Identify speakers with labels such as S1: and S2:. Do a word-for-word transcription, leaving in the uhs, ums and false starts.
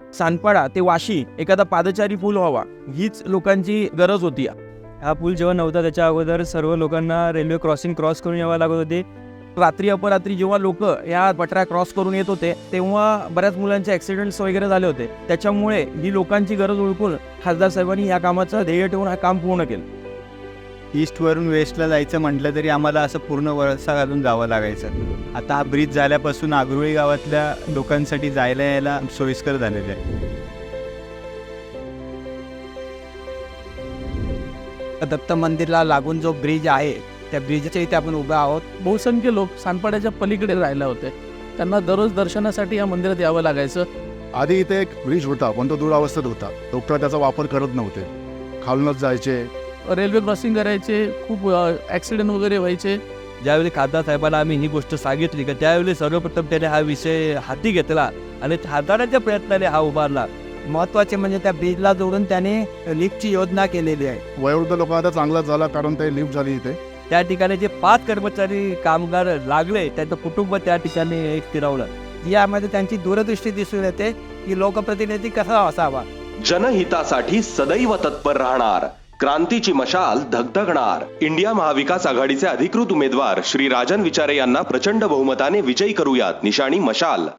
S1: सानपाडा ते वाशी एखादा पादचारी पूल व्हावा, हीच लोकांची गरज होती.
S2: हा पूल जेव्हा नव्हता त्याच्या अगोदर सर्व लोकांना रेल्वे क्रॉसिंग क्रॉस करून यावं लागत होते.
S1: रात्री अपरात्री जेव्हा लोक या पटऱ्या क्रॉस करून येत होते तेव्हा बऱ्याच मुलांचे ॲक्सिडेंट्स वगैरे झाले होते. त्याच्यामुळे ही लोकांची गरज ओळखून खासदार साहेबांनी या कामाचं ध्येय ठेवून हा काम पूर्ण केलं.
S3: ईस्टवरून वेस्टला जायचं म्हटलं तरी आम्हाला असं पूर्ण वळसा घालून जावं लागायचं. आता हा ब्रिज झाल्यापासून आगरुळी गावातल्या लोकांसाठी जायला यायला सोयीस्कर झालेलं आहे.
S4: दत्त मंदिरला लागून जो ब्रिज आहे त्या ब्रिजच्या इथे आपण उभे आहोत.
S5: बहुसंख्य लोक सानपाड्याच्या पलीकडे राहिले होते. त्यांना दररोज दर्शनासाठी या मंदिरात यावं लागायचं.
S6: आधी इथे एक ब्रिज होता पण तो दुरावस्थेत होता. लोक त्याचा वापर करत नव्हते, खालूनच जायचे.
S5: रेल्वे क्रॉसिंग करायचे, खूप ॲक्सिडेंट वगैरे व्हायचे.
S7: ज्यावेळी खासदार साहेबांना आम्ही ही गोष्ट सांगितली की त्यावेळी सर्वप्रथम त्याने हा विषय हाती घेतला आणि हाताळण्याच्या प्रयत्नाने हा उभारला.
S4: महत्त्वाचे म्हणजे त्या ब्रिजला जोडून त्याने लिफ्टची योजना केलेली आहे.
S6: वयोवृद्ध लोक आता चांगला झाला कारण ते लिफ्ट झाली इथे.
S7: त्या ठिकाणी जे पाच कर्मचारी कामगार लागले त्यांचं कुटुंब त्या ठिकाणी स्थिरावलं.
S4: यामध्ये त्यांची दूरदृष्टी दिसून येते की लोकप्रतिनिधी कसा असावा.
S8: जनहितासाठी सदैव तत्पर राहणार, क्रांतीची मशाल धगधगणार. इंडिया महाविकास आघाडीचे अधिकृत उमेदवार श्री राजन विचारे यांना प्रचंड बहुमताने विजयी करूयात. निशाणी मशाल.